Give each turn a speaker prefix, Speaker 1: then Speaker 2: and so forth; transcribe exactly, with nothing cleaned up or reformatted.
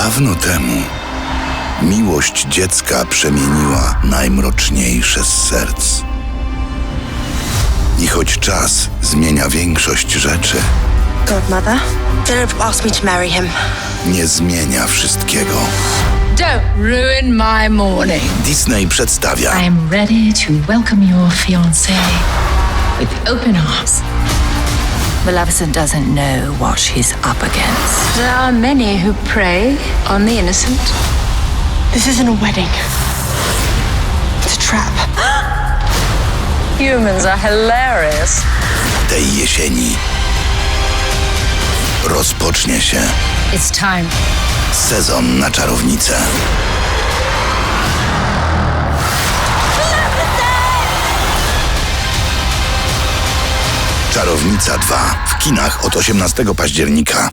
Speaker 1: Dawno temu miłość dziecka przemieniła najmroczniejsze z serc. I choć czas zmienia większość rzeczy,
Speaker 2: Godmother, Philip asked me to marry him.
Speaker 1: nie zmienia wszystkiego.
Speaker 3: Don't ruin my morning.
Speaker 1: Disney przedstawia
Speaker 3: I'm ready to welcome your fiancé with open arms. Maleficent doesn't know what she's up against. There are many who prey on the innocent.
Speaker 2: This isn't a wedding. It's a trap.
Speaker 3: Humans are hilarious.
Speaker 1: tej jesieni. Rozpocznie się
Speaker 3: It's time.
Speaker 1: sezon na czarownicę. Czarownica dwa w kinach od osiemnastego października.